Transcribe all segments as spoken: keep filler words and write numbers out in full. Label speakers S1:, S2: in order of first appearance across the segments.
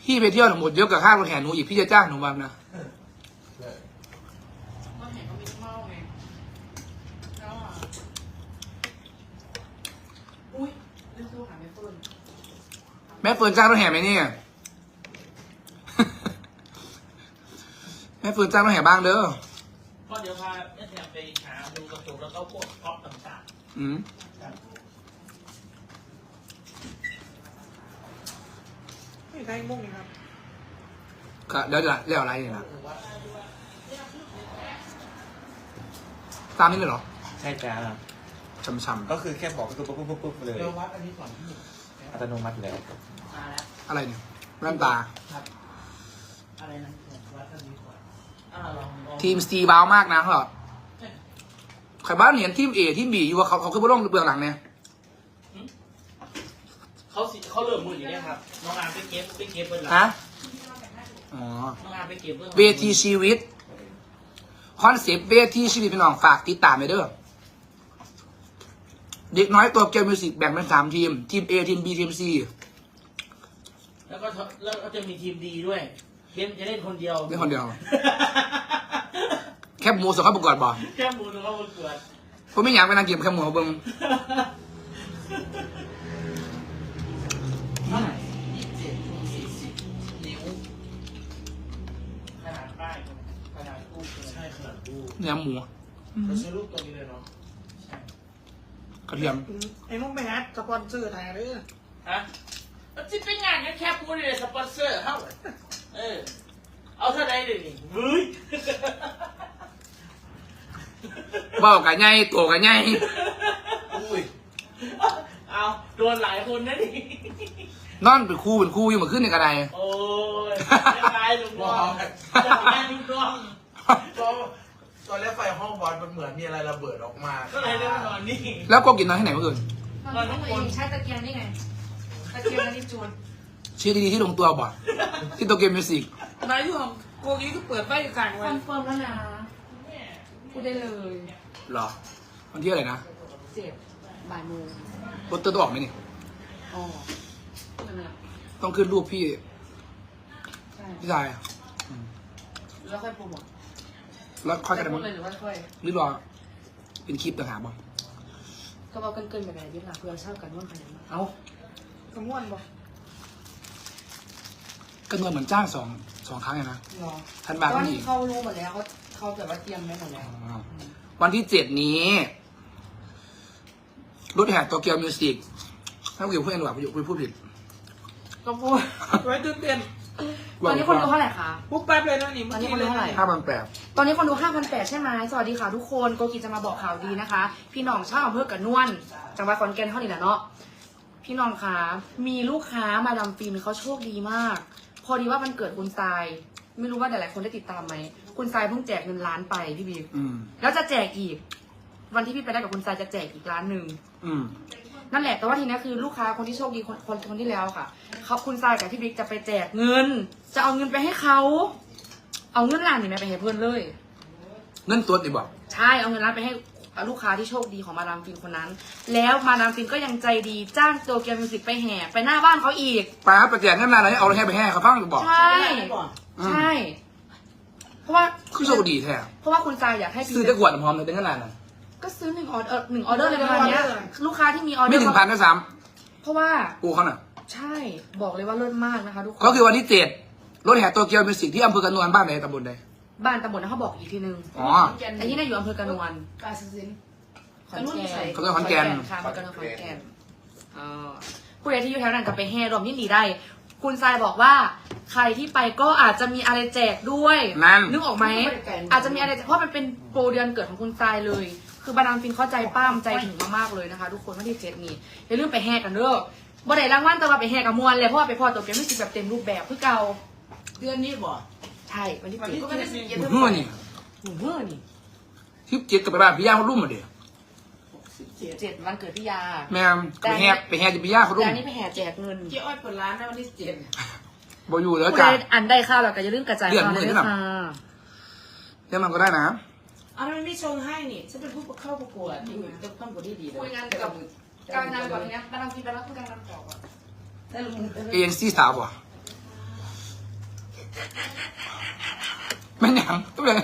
S1: พี่ไปเที่ยวหมดเยอะกับค่ารถแห่หนูอีกพี่จะจ้างหนูบ้างนะ
S2: ก็เห็นเขามีเมาไงแล้วอ่ะอุ้ยเรื่องตัวหาไม่เฟิร์น
S1: แม่เฟิร์นจ้างรถแห่ไหมเนี่ย แม่เฟิร์นจ้างรถแห่บ้างเด้อ
S3: ก็เดี๋ยวพาแม่แถมไปหาดูกระจกแล้วก็พวกท็อปต่าง
S1: ๆอืม
S2: ไม่ใช่มุ้งครับ
S1: ก็เดี๋ยวจะเรียกอะไรเนี่ยนะตามนี้เลยเหรอ
S4: ใช่จ้า
S1: ช้ำ
S4: ก็คือแค่บอกก็คือปุ๊บปุ๊บปุ๊บปุ๊บเลย
S2: เดี๋ยววัดอันนี้ก่อนที่
S4: อัตโนมัติอยู่แล้ว
S2: มาแล้ว
S1: ๆอะไรเนี่ยแว่นตา
S2: ครับอะไรนะวัดอันนี้ก่อนอ่าลองลอง
S1: ทีมสตีบ้าวมากนะเหรอใครบ้านเห็นทีมเอทีมบีอยู่ว่าเขาเขาคือผู้ร่องเบื้องหลังเนี่ย
S3: ๆเขาสิเขาเริ่มมืออยู่เนี่ยครับน้องอามไปเก็บไปเก็บเบื้องหลัง
S1: ฮะอ๋อ
S3: น้องอามไปเก็บเบื้องหลัง
S1: เวทีชีวิตคอนเซปต์เวทีชีวิตเป็นน้องฝากติดตามไปเด้อเด็กน้อยตัวเกียวมิวสิกแบ่งเป็นสามทีม ทีม A ทีม B ทีม C
S3: แล้วก็แล้วก็จะมีทีมดีด้วยเล่นจะเล่นคนเดียว
S1: เล่นคนเดียว แคบหมูส่งเข้าประกวดบ่
S3: แค่มูลเขาเกิด
S1: ผมไม่อยากไปนางเก็บแคบหมูเบิ้ง
S2: เท่าไหร่ยี่สิบเจ็ดคูณสี่สิบนิ้ว
S3: ขนาดป้ายขนาดตู้ใช่ขนาดตู้
S1: เนื้อหมู
S3: เราใช้รูปตัวนี้เลยเนาะใช่
S1: กระเทียม
S2: ไอ้มุ้งไปฮัทสปอนเซอร์ไทยเลย
S3: ฮะมันจะเป็นงานแค่พูดเลยสปอนเซอร์เท่าเออเอาเท่าไหร่เลยนี่เฮ้ย
S1: เบ้ากันใหญ่ตัวกันใหญ่
S3: อุ้ยเอาโดนหลายคนนะนี่
S1: นอนเป็นคู่เป็นคู่อยู่เหมือนขึ้นในกระได
S3: โอ้ยจะตายลุงน้องจะตายลุงน้อง
S5: ก็ตอนแรกไฟห้องบอลมันเหมือนมีอะไรระเบิดออกมา
S3: ก็เลยได้มานอนนี่
S1: แล้วก็กินนอนที่ไหนเมื่อคืน
S3: นอนทั้งคน
S6: ใช้ตะเกียงนี่ไง ตะเกียงอันนี้จูน
S1: ชื่อดีๆที่ลงตัวบ่ที่โตเกียวมิวสิก
S2: นายอยู่ของโกกี้ก็เปิดไฟกลาง
S6: ค
S2: วั
S6: อน นเฟิร์มแล้วนะพูดได้เลย
S1: เหรอวันที่อะไรนะ
S6: เจ็บบ่ายโมง
S1: โปสเตอร์ต้องออกไหมนี่
S6: อ๋อนั่นแหละ
S1: ต้องขึ้นรูปพี่
S6: ใช่
S1: พี่ชายอะอืม
S6: แล้วค่อยโปรโมท
S1: แล้วค่อยกระ
S6: พู
S1: ดา
S6: ดเลยหรือว่าค่อย
S1: หรือรอเป็นคลิปต่างหากบ่
S6: ก็บอกเกินๆแบบไหนดิล่ะเพื่อเช่ากันว่านขนาดนั้น
S1: เอ้าก
S2: ระม่วนบอก
S1: ก็เงินเหมือนจ้างสองสองครั้งไงนะ
S6: หรอ
S1: ทันบาท
S6: ตอ
S1: ก็
S6: น
S1: มี
S6: นี้เขารู้หมดแล้วเขาเขาแบบว่าเตรียมไว้หมดแล้ว
S1: อ๋อวันที่เจ็ดนี้รถแห่โตเกียวมิวสิกถ้าเกี่ยวพูดเองหรือเปล่าพูดพูดผิด
S2: ก็พูดไว้ตื่นเต้น
S6: ตอนนี้คนดูเท่าไหร่คะ
S2: ปุ๊บแป๊บเลยนะนี่
S6: ตอนนี้คนดูเท่าไหร่
S1: ห้าพันแปด
S6: ตอนนี้คนดู ห้าพันแปดร้อย ใช่ไหมสวัสดีค่ะทุกคนโกกิจะมาบอกข่าวดีนะคะ พี่น้องชาวอำเภอกระนวนจังหวัดขอนแก่นเท่านี้แหละเนาะพี่น้องคะมีลูกค้ามาดามฟินเขาโชคดีมาก พอดีว่ามันเกิดคุณทราย ไม่รู้ว่าหลายๆคนได้ติดตามไหมคุณทรายเพิ่งแจกเงินล้านไปพี่บีม
S1: อืม
S6: แล้วจะแจกอีก วันที่พี่ไปได้กับคุณทรายจะแจกอีกล้านหนึ่ง
S1: อืม
S6: นั่นแหละแต่ว่าทีนี้คือลูกค้าคนที่โชคดีคนคนคนที่แล้วค่ะเขาคุณทรายกับพี่บิ๊กจะไปแจกเงิน จะเอาเงินไปให้เขาเอาเงินล้านนี่แม่ไปให้เพื่อนเลย
S1: เงินตัวดิบอก
S6: ใช่ เอาเงินร้านไปให้ลูกค้าที่โชคดีของมาดามฟินคนนั้น แล้วมาดามฟินก็ยังใจดีจ้างโตเกียวมิวสิกไปแห่ไปหน้าบ้านเขาอีก
S1: ป้าประแจกเงินมาอะไรเอาอะไรให้ไปแห่เขาฟังหรือบอก
S6: ใช่ ใช่ เพราะว่า
S1: คือโชคดีแท้
S6: เพราะว่าคุณทรายอยากให้
S1: ซื้อได้ขวดน้ำหอมเลยเป็นขนาดนั้น
S6: ก็ซื้อหนึ่งออเดอร์หนึ่งออเดอร์เลยประมาณเนี้ยลูกค้าที่มีออเดอร์
S1: ไม่ถึงพันด้วยซ้
S6: เพราะว่า
S1: ำกูเขาน่ะ
S6: ใช่ บอกเลยว่าเลิศมากนะคะทุกคน
S1: ก็คือวันที่เจ็ดรถแห่โตเกียวมิวสิกที่อำเภอกระนวนบ้านไหนตำบลใด
S6: บ้านตำบลนะเขาบอกอีกทีนึง
S1: อ๋อ
S6: ไอ้ที่น่าอยู่อำเภอกระนวน
S2: กาซิน
S6: ขอนแก่น
S1: เขาเรียกขอนแก่น
S6: ค่ะมันก็เรื่องขอนแก่นอ่าผู้ใดที่อยู่แถวนั้นก็ไปแห่รวมยินดีได้ คุณทรายบอกว่า ใครที่ไปก็อาจจะมีอะไรแจกด้วย
S1: นั่น
S6: นึกออกไหม อาจจะมีอะไรแจกเพราะมันเป็นโปรเดือนเกิดของคุณทรายเลย คือบาดามฟินเข้าใจป้ามใจถึงมากๆเลยนะคะ ทุกคนวันที่เจ็ดนี้อย่าลืมไปแห่กันเด้อบ่ได้รางวัลแต่ว่าไปแห่กับมวลเลยเพราะว่าไปพอตัวเกมไม่สิแบบเต็มรูปแบบคือเก่า
S2: เดือนนี้บอก
S6: ใช่วันที่
S2: วัน
S6: เจ็ด
S2: ที่
S6: ก็
S2: เจ็
S6: ไม่
S2: ด
S6: ได้สิบ
S2: นี่
S6: เจ็ด
S1: ห
S6: เดื
S1: มู
S6: อน
S1: เมื่อนี่
S6: หนูเมื่อนี่
S1: ที่เจ็ดกับไปบ้านพี่ย่าเขารุ่มมาเดียว
S2: สิบเจ็ด
S6: เจ็ดวันเกิดพี่ยา
S1: แม่ไปแห่ไปแห่จะพี่ย่าเขารุ่
S6: แต่
S1: ม
S6: อันนี้ไปแห่แจกเงิน
S2: เจ๊อ้อยเปิดร้านนะวันที่เจ็ด
S1: บอยู่แล้ว
S6: ผู้
S1: จ้ะ
S6: ใดอันได้ข้าวเราก็อย่าลืมกระจาย
S1: เดือน
S6: ข่าว
S1: มือ
S6: ด้วย
S1: นี่หรอ
S6: ค่ะ
S1: เดี๋ยวมันก็ได้นะ
S2: อ้าวทำไมไม่ชงให้นี่ฉันเป็นผู้เข้าประกวดนี่จะต้องบทที่ดีเลย
S6: คุยงานกับการงานก่อนทีนี้บาดามฟินไปแล้วคุยงานกันต่อก่อน
S2: แต่ลุง
S1: เอ็นซีสาวป่ะแม่นหยังต้องเป็น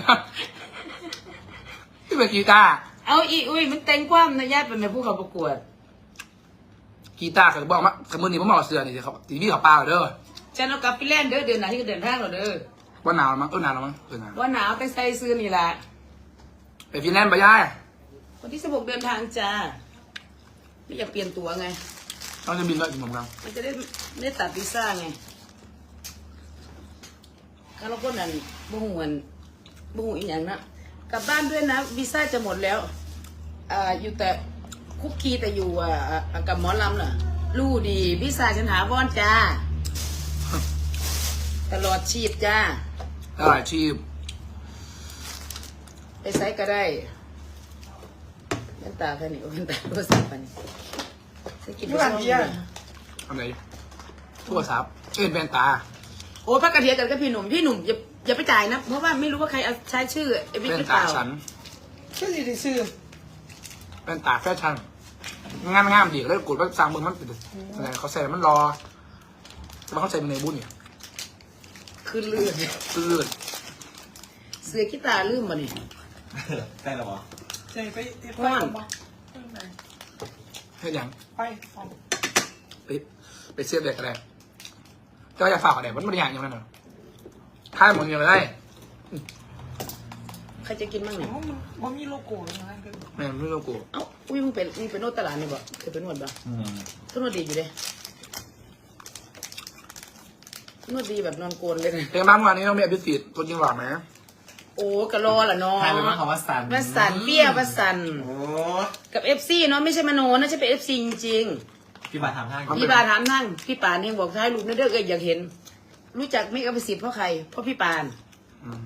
S1: ที่เป็นกีตาร์
S7: เอาอีอุ้ยมันแต่งความนะญาติเป็นแม่ผู้เขาประกวด
S1: กีตาร์เขาบอกว่าสมมตินี่ผมบอกเสือนี่เขาทีวีเขาปลาเด้อ
S7: ฉันเอากลับไปเล่นเด้อเดือนหน้าที่ก็เดินทางเราเด้อ
S1: ว่าหนาวมั้งเออหนาวแล้วมั้งเออหนาว
S7: ว่าหนาวแต่ใส่เสื้อนี่แหละ
S1: ไปฟินแลนด์ไปย่าย
S7: วันที่สิบหกเดินทางจ้าไม่อยากเปลี่ยนตัวไง
S1: ต้องจะบินด้วยอีกหนึ่งครั้ง
S7: มันจะได้ไม่ได้ตัดวีซ่าไงข้าเราก็นั่นบุ้งวันบุ้งอีกอย่างนะกลับบ้านด้วยนะวีซ่าจะหมดแล้วอ่าอยู่แต่คุกคีแต่อยู่อ่าอ่ากับหมอลำน่ะรู้ดีวีซ่าฉันหาวอนจ้าตลอดชีพจ้า
S1: ได้อาชีพ
S7: ไปไซส์ก็ได้แว่นตาแค่นี้แว่นตาโทรศัพท์ไปนี่ใส่กินไปซ่อมเลย
S1: ทำไรโทรศัพท์เอ็นแว่นตา
S7: โอ้พักกระเทียมกันกับพี่หนุ่มพี่หนุ่มอย่าอย่าไปจ่ายนะเพราะว่าไม่รู้ว่าใครเอาใช้ชื่อไอ้บิ๊ก
S1: แว่
S7: ห
S1: น
S7: รือเป
S1: ตา
S7: ล่า
S1: ฉัน
S2: ชื่อสิได้ชื่อ
S1: แว่นตาแฟชั่นงามงามดีแล้วกดว่าสั่งมึงมันเป็นอะไรเขาใส่มันรอจะมาเข้าใจมึงในบุญเนี่ย
S7: คือเลือด
S1: ตื้น
S7: เสือขี้ตาลืมมาเนี่ย
S4: ได้แล้วเหรอ
S2: ใจไปไป
S7: ว่าน
S1: ให้ยัง
S2: ไปเอา
S1: ไปไปเสียบเด็กอะไรเจ้าอยากฝากอะไรมันไม่ได้อย่างอย่างนั้นเหรอถ้ามึงยังได้
S7: ใครจะกินบ้างเนี่ย
S2: เอามันมันมีโลโก้แล้วนะคือ
S1: แม่ไม่รู้กู
S7: เอ้าอุ้ยมึงเป็นมึงเป็นนวดตลาดนี่บ่เคยเป็นนวดบ่
S4: อืม
S7: ก็นวดดีอยู่เลยนวดดีแบบนอนโกนเลยนะ
S1: เพลงบ้านวันนี้ต้องมีอภิสิทธิ์ตัวจริงหล่อไหม
S7: โอ้กะรอล่ะเนาะ
S4: ใครเป็นว่าคำว่าสัน
S7: ว่าสันเปี้ยว่าสัน
S4: โอ้
S7: กับเอฟซีเนาะไม่ใช่มโนนะใช่เป็นเอฟซีจริง
S4: พี่บาทำห้าง
S7: ๆพี่ปานถามนั่งพี่ปานเองบอกท้ายรูปนั่นเด้อเอยอยากเห็น รู้จักไม่กับประสิทธิ์เพราะใครเพราะพี่ปาน
S1: อืม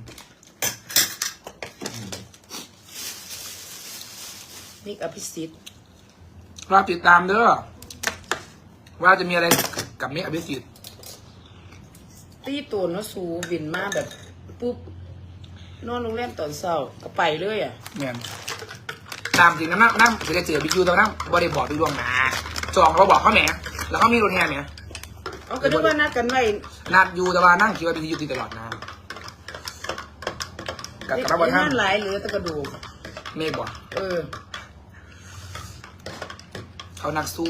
S7: มิกอภิสิทธิ์
S1: รอติดตามเด้อว่าจะมีอะไรกับมิกอภิสิทธิ์
S7: ตีตัวเนาะสูบินมาแบบปุ๊บนอนโรงแรมตอนเช้าก็ไปเลยอ่ะ
S1: แม่นตามจริงนะนั่งนั่งจะเจอบิ๊กยูตอนนั่งบริบอร์ดดูดวงหนาจองเราบอกเขาแหมแล้วเขามีรถแห่แหม
S7: เอาก็นึกว่านัดกันไว้
S1: นัดยูแต่ว่านั่งคิดว่าบิ๊กยูติดตลอดนะกับกระบวน
S7: งา
S1: ท่าน
S7: นหลายเหลือแต่กระดูก
S1: เมฆบอก
S7: เออ
S1: เขานักสู้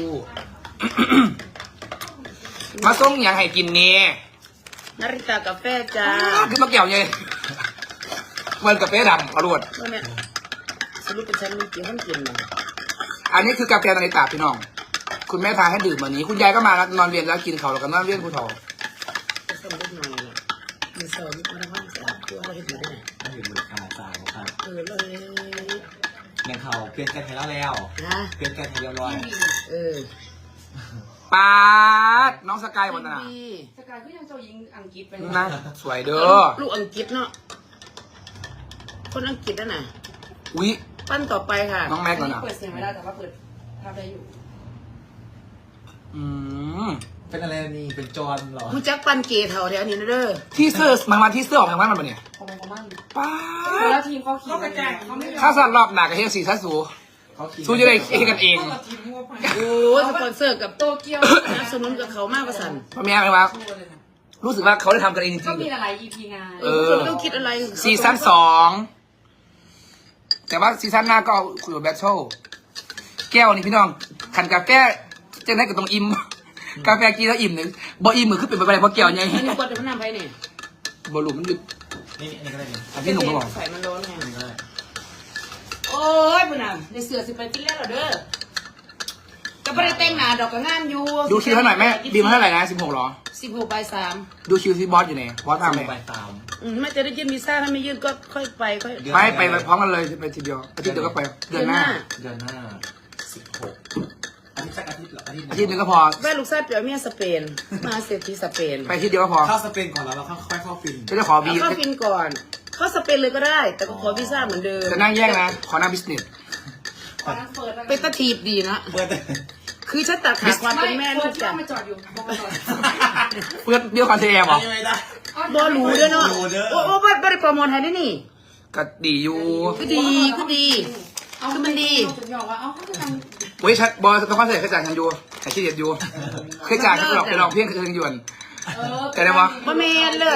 S1: มาส่งอย่างให้กินเนี่ย
S7: นาริตากาแฟจ้า
S1: คือมาเกี่ยวไงมันกาแฟดำอรวด
S7: ว่าเนี่ยสรุปเป็นฉันมีกี่ห้องกินนะ
S1: อันนี้คือกาแฟนาฬิตาพี่น้อง คุณแม่พาให้ดื่มวันนี้ คุณยายก็มาแล้วนอนเรียนแล้วกินเขาวแล้วก็นอนเรียนผู้ทอ
S7: จะสมบูรณ์หน่อยละมีเสริมมาทั้งห้องสามตัวอะไรเห็นได้ไหม
S4: ไม่ถึงมือขาจ่ายครับ
S7: เออเลย
S4: แมงเขาเปลี่ยนแกนไทยแล้วแล้ว
S7: นะ
S4: เปลี่ยนแกนไทยเรียบร้อย
S7: เออ
S1: ปาดน้องสกายหมดนะ
S7: สกายก็ยังเจ้าหญิงอังกฤษไป
S1: นะสวยเด้อ
S7: ลูกอังกฤษเนาะคนอังกฤษนั่นน่ะ
S1: อุ๊ย
S7: ปั้นต่อไปค่ะ
S1: น้องแม็กก่อนนะ
S6: เปิดเสียงไม่ได้แต่ว่าเปิดภาพได้อยู่
S1: อืม
S4: เป็นอะไรนี่เป็นจอนเหรอ
S7: ผู้จักปั้นเกย์เท่าแถวนี้นะเด้อ
S1: ที่เสื้อมามาที่เสื้อออกทางบ้านมันปะเนี่ย
S6: ของมันของมัน
S1: ป้า
S6: แล้ว
S1: ด
S6: ทีมเขาขี่
S2: เขากระจายเขาไม่ยอม
S1: ข้าวสารรอบหนักกับเฮงสีซัสสู
S4: เขาขี่
S1: สู้จะได้เฮกันเอง
S2: เขาทีมงัวไป
S7: โอ้ยสปอนเซอร์กับโตเกียวสนับสนุนกับเขามากกว่าสัน
S1: พ่อแม่ไหมวะรู้สึกว่าเขาได้ทำกันเองจริ
S6: ก็
S1: ง
S6: มีหลาย อี พี งาน
S1: เออ
S7: คนต้องคิดอะไร
S1: ๆซีซั่นสองแต่ว่าซีซั่นหน้าก็เอาคุยกับแบทเทิลแก้วนี่พี่น้องขันกาแฟจะได้กับตรงอิ่มกาแฟกินแล้วอิ่มหนึ่งบ่อิ่มมือขึ้นเป็นไปได้เพราะแก้วไง
S7: อันนี้กดเดี๋ยวมันนำไปเนี่ย
S1: บ่หลุมมันหยุด
S4: นี่นี่ก็ได้นี่
S1: อันที่หนุ่มก็บอก
S7: ใส่มันร้อนไง
S4: นี่ก็ได้
S7: โอ้ยพุ่นน่ะในเสือสิไปกินแล้วเหรอเด้อก็ไม่ได้แต่งหน้าดอกก็งามอยู่
S1: ดูคิวเท่าไหร่แม่บีมเท่าไหร่นะสิบหกหรอ
S7: สิบหกใบสาม
S1: ดูคิวที่บอสอยู่ไหนบอสตามไหม
S4: ไปตาม
S7: อืมไม่จะได้ยื่นวีซ่าถ้าไม่ยื่นก็ค่อยไปค่อย
S1: ไม่ไปพร้อมกันเลยไปทีเดียวอาทิตย์เดียวก็ไปเดือนหน้า
S4: เดือนหน้าสิบหกอาทิตย์สักอาทิตย์เหรออาทิตย์
S1: อาทิตย์หนึงก็พอ
S7: แม่ลูกชายเปียวเมียสเปนมาเศรษฐีสเปน
S1: ไปอาทิตย์เดียวก็พอ
S4: เข้าสเปนก่อนแล้วเราค่อยเข้าฟิน
S1: ก็จะขอ
S7: เอา
S1: บี
S7: เข้าฟินก่อน เข้าสเปนเลยก็ได้ แต่ก็ขอวีซ่าเหมือนเดิม
S1: จะนั่งแยกนะ ขอนั่งบิสเนส
S6: ตอนนั้นเปิดแล้ว
S7: เป็นตะทีบดีนะ
S4: เปิด
S7: คือฉันตัดขาดความเป็นแม่ลูก
S6: จ้า
S7: จ้ะ
S6: มาจอดอยู่บอกมาจอด
S1: เพื่อนเดียวคอนเทนต์บอก
S4: ยังไงได้
S7: บอหรูเด้อเนาะ
S4: หรูเด้อ
S7: โอ้โอ้บ่บ่ได้โปรโมทให้ได้นี่
S1: ก็ดีอยู่
S7: ก็ดีก็ดี คือมันดี
S6: ถึงยอมว่าเอาเขาจะทำ
S1: เว้ยชัดบอลต้องคอนเสิร์ตเคยจ่ายฉันอยู่แต่ขี้เดียดอยู่เคยจ่ายฉันหลอกไปลองเพียงคืนหยวน
S6: เออ
S1: แต่ได้ปะ
S7: บ่แม่นเลิศ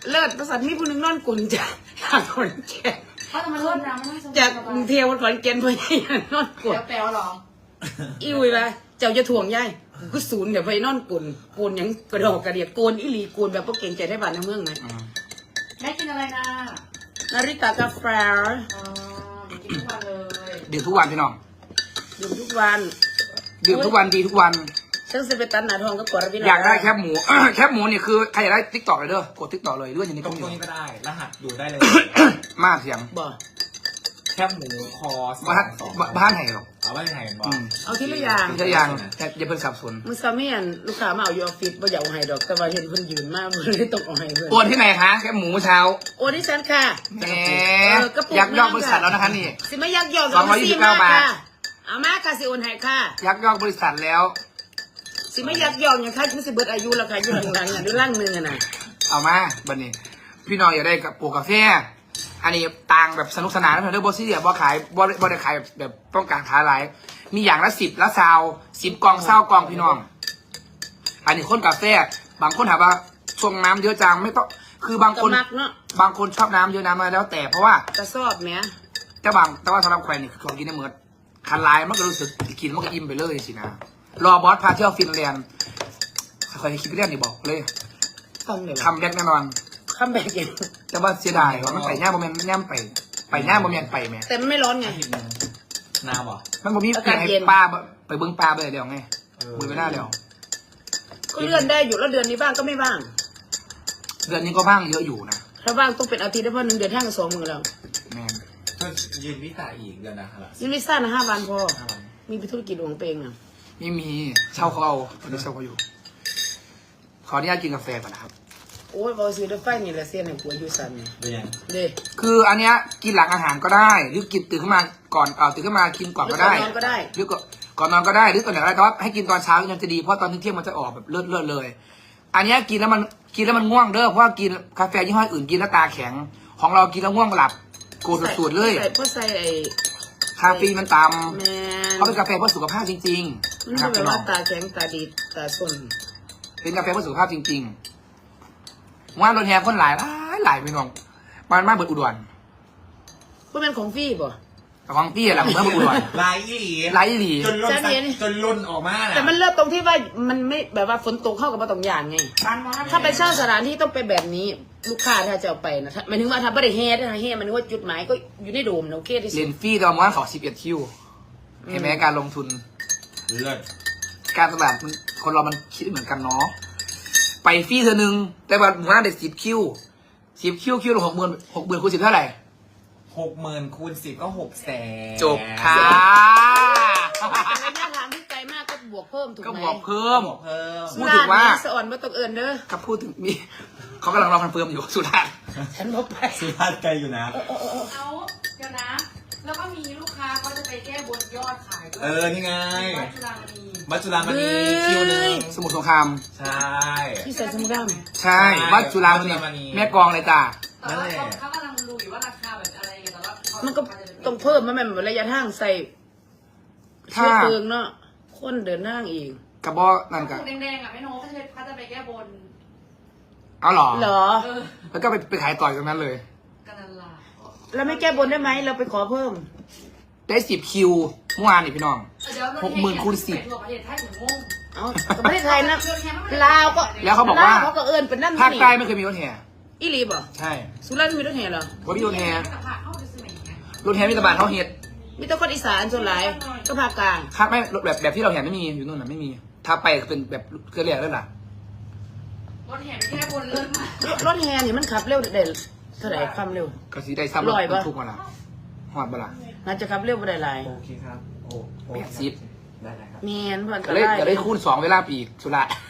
S7: เลิศประสาทมีผู้หนึงนอนกุนจากจากขอนแก่น
S6: เขาจะมาเริ่มน้ำไม่ต้อง
S7: จากกรุงเทพวันขอนแก่นเพื่อนนอนกุน
S6: แปลวหรอ
S7: อีวิละเจ้าจะถ่วงย่ายก็ศูนย์เดี๋ยวไปนอนกุนโกนหยังกระดอกกระเดียกโกนอีหลีโกนแบบพวกเก่งใจได้บ้านในเมืองไหม
S1: อืม
S6: แม่กินอะไรนะ
S7: นาริตากาแฟ
S6: อ๋อเดี๋ยวกินทุกวันเลย
S1: ดื่มทุกวันพี่น้อง
S7: ดื่มทุกวัน
S1: ดื่มทุกวันดีทุกวัน
S7: ซึ่งจะไปตันหนาทองก็กดระบิ
S1: อยากได้แคบหมู แคบหมูเนี่ยคือใครอยากได้ติ๊กต็อกเลยเด้อกดติ๊กต็อกเลยเรื่องอย่างนี้
S4: ตร
S1: ก็
S4: ง
S1: มี
S4: ตรงนี้ก็ได้ รหัสดูได้เลย
S1: มากเสียง
S7: บ่
S4: แคบหมูคอส
S1: บ้าน
S4: สอง
S1: บ้านไหนหรอก
S4: เอาไว้ไหนบอ
S1: อืม
S7: เอาทีละอย่าง
S1: ถ้ายังแต่อย่าเพิ่งสับสน
S7: มึงซาเมียนลูกค้ามาเอาอยู่ออฟฟิศบ่อยากเอาให้ดอกแต่ว่าเห็นเพิ่นยืนมากมันเลยต้องเอาให้เพิ่น
S1: โอนที่ไหนคะแคบหมูเมื่อเช้า
S7: โอ้ดิฉันค่ะ
S1: แหม
S7: เออกระปุก
S1: ยักยอกบริษัทแล้วนะคะนี่
S7: สิไม่ยักยอก
S1: สองร้อยยี่สิบเก้าบาท
S7: เอามาค่ะสิโอนให้ค่ะ
S1: ยักยอกบริษัทแล้ว
S7: สิไม่ยักยอกอย่างค่ะมันสิเบิดอายุแล้วค่ะอยู่หลังๆอ่ะด้วยร่างหนึงอ่ะน่ะ
S1: เอามาบันนี้ พี่น้องอยากได้กับปลูกกาแฟอันนี้ต่างแบบสนุกสนานนะเพื่อนเด้อบอสซี่เดียบอขายบอบอได้ขายแบบต้องการค้าหลายมีอย่างละสิบละซาวสิบกล่องเศร้ากล่องพี่น้อง อันนี้คนกาแฟบางคนถามว่าชงน้ำเยอะจังไม่ต้องคือบาง
S7: ก็
S1: คน
S7: มักเนาะ
S1: บางคนชอบน้ำเยอะน้ำมาแล้วแต่เพราะว่าก
S7: ระสอบแหม
S1: แต่บางแต่ว่าสำหรับใครนี่คือของกินในเมือคันลายมันก็รู้สึกกินมันก็อิ่มไปเลยสินะรอบอสพาเที่ยวฟินแลนด์ใครคิดเรื่องนี่บอกเลย
S7: ทำเลย
S1: คำแรกแน่นอน
S7: คำแบบเอง
S1: แต่ว่าเสียดายว่ามันไปย่าบ่แม่นย่ำไปไปย่าบ่แม่นไปแม่
S7: แต่มันไม่ร้อนไง
S4: อาทิตย์หนึงนาวเหรอ
S1: มันบ่มี
S7: อากาศ
S1: ให้
S7: เย็น
S1: ปลาบ่ไปเบิ่งปลาไปเดี๋ยวไง
S4: เออ
S1: มือไม่น่าเดี๋ยว
S7: ก็เลื่อนได้อยู่แล้วเดือนนี้บ้างก็ไม่บ้าง
S1: เดือนนี้ก็บ้างเยอะอยู่นะ
S7: ถ้าบ้างต้องเป็นอาทิตย์ได้เพราะหนึ่งเดือนห้างกับสองมือแล้ว
S1: แม่น
S4: ก็ยืนวิสาอีกเดือนนะครับ
S7: ยินวิซ่านะห้าวันพอ
S4: ห้าวัน
S7: มีไปธุรกิจของตัวเองอ่ะ
S1: ไม่มีเช่าเขาเอาตอนนี้เช่าเขาอยู่ ขออนุญาตกินกาแฟก่อนนะครับ
S7: โอ้ยบอซื้อได้ไฟนี่แหละเสียนในหัวอยู่สันนี่
S4: เป็นยัง
S7: เด้
S1: คืออันเนี้ยกินหลังอาหารก็ได้ หรือกินตื่นขึ้นมาก่อนเออตื่นขึ้นมากินก่อนก็ได้
S7: นอนก็ได้
S1: หรือก่อนก่อนนอนก็ได้หรือก่อนไหนก็ได้แต่ว่าให้กินตอนเช้ายังจะดีเพราะตอนเที่ยงมันจะออกแบบเลือดเลือดเลย อันเนี้ยกินแล้วมันกินแล้วมันง่วงเด้อเพราะว่ากินกาแฟยี่ห้ออื่นกินแล้วตาแข็ง ของเรากินแล้วง่วงหลับโกรธสุดๆเลย
S7: ใส่เพราะใส่ไอ้
S1: คาเฟอีนมันต่
S7: แม
S1: ำ
S7: น
S1: เขาเป็นกาแฟเพื่อสุขภาพจริง
S7: มัน
S1: ๆนะค
S7: ไม่
S1: รับ
S7: แบบ
S1: พี่น้อ
S7: ว่าง ตาแข็งตาดีตาส้น
S1: เป็นกาแฟเพื่อสุขภาพจริงๆว่ารถแห่คนหลายหลายหลายพี่น้องมันมากเบิดอุดร
S7: พวกเป็นของฟรี่ป่ะ
S1: แต่ของพี่อะไรผมไม่เบิดอุดร
S4: ลายอีหลี
S1: ไลฟ์อีหลี
S4: จนล่น
S7: จะเห็น
S4: จนล่นออกมาน่ะ
S7: แต่มันเลิศตรงที่ว่ามันไม่แบบว่าฝนตกเข้ากับมาตรงอย่างไง
S6: บ้านมอส
S7: ถ้าไปเช่าสถานที่ต้องไปแบบนี้ ลูกค้าถ้าจะเอาไปนะถ้าหมายถึงว่าถ้าไม่ได้เฮดนะเฮดมันว่าจุดหมายก็อยู่ในโดมนะโอเคที่สุ
S1: เรีย
S7: ด
S1: นฟรีแต่ว่ามันขอสิบเอ็ดคิวเห็นไหมการลงทุน
S4: เลิศ
S1: การตลาดมันคนเรามันคิดเหมือนกันเนาะไปฟรีเธอหนึ่งแต่ว่าหมู่บ้านเด็ดสิบคิวสิบคิวคิวละหกหมื่นหกหมื่นคูณสิบเท่าไหร่
S4: หกหมื่นคูณสิบก็หกแสน
S1: จบค่ะ
S7: ระยะทางที่ไกลมากก็บวกเพิ่มถูกไหม
S1: ก็บอกเพิ่ม
S4: บอกเพิ่ม
S1: พูดถึงว่า
S7: ร้นนี้สะอ่อนมาตกเอิญเด้อ
S1: ครับพูดถึงมีเขากำลังรอคอนเฟิร์มอยู่สุราษฎร์
S7: ฉันบอกไป
S4: สุภาพไกลอยู่นะ
S6: เอาเดี๋ยวนะ แล้วก็มีลูกค้าเขาจะไปแก้บนยอดขายด้วย
S4: เออ นี่ไง
S6: วัดจุฬามณี
S4: มัจจุรามณีคิวหนึ่ง
S1: สมุทรสงคราม
S4: ใช่
S7: ที่ใส่สมุดด
S1: ใช่วัดจุฬาม
S4: วัดจุฬามณี
S1: ณีแม่กลองเลยจ้า
S6: แต่ว่าเขาเขากำลังดูอยู่ว่าราคาแบบอะไรกันแต่ว่าเขา
S7: ำมันก็ต้องเพิ่มมาแม่นระยะทางใส่เชื้อเพลิงเนาะคนเดินทางอีก
S1: กระบอกนั่น
S6: ก
S1: กัน
S6: แดงๆอ่ะไม่โน้เขาจะเขาจะไปแก้บน
S1: เอาเหรอ
S7: เหรอ
S6: เออ
S1: แล้วก็ไปไปขายต่อยตรงนั้นเลย
S6: กันนั่นล่ะ
S7: แล้วไม่แก้บนได้ไหมเราไปขอเพิ่ม
S1: ได้สิบคิวเมื่อวานนี่พี่น้อง
S6: เดี๋ยวรถ
S1: หกหมื่นคูณสิบ
S6: ทั่วประเทศไทยถึงงง
S7: เอาแต่ประเทศไทยนะลาวก็
S1: แล้วเขาบอกว่า
S7: ลเขาก็เอิญเป็นนั่น
S1: ภาค
S7: นี่
S1: ใต้ไม่เคยมีรถแห่
S7: อีหลีบ่
S1: ใช่
S7: สุราษฎร์มีรถแห่เหรอ
S1: ว่ามีรถแห่
S6: แต่ผ่าเข้าไปซื้อไหนไง
S1: รถแห่มีแตะบานเขาเฮ็ด
S7: มีแต่คนอีสานส่วนหลายก็ภาคกลาง
S1: คาดไม่รถแบบแบบที่เราเห็นไม่มีอยู่นู่นน่ะไม่มี ถ้าไปเป็นแบบเครือเรียกแล้วล่ะ
S6: รถแห่ไปแก้บนเลิศมาก
S7: รถรถแห่นี่มันขับเร็วเด็ดเท่าไหร่ความเร็ว
S1: ก็สีได้ซ้ำรถ
S7: ร้อยปะ
S1: บรรทุกมาละหอดมาละ
S7: น่าจะขับเร็วบ่ได้หลาย
S4: โอเคครับ โอ้โอ
S1: แปดสิบ
S4: ได้เลยครับ
S7: แม่นเพิ่น
S1: ก็เลยก็เลยคูณสองเวลาปีกสุราษฎร์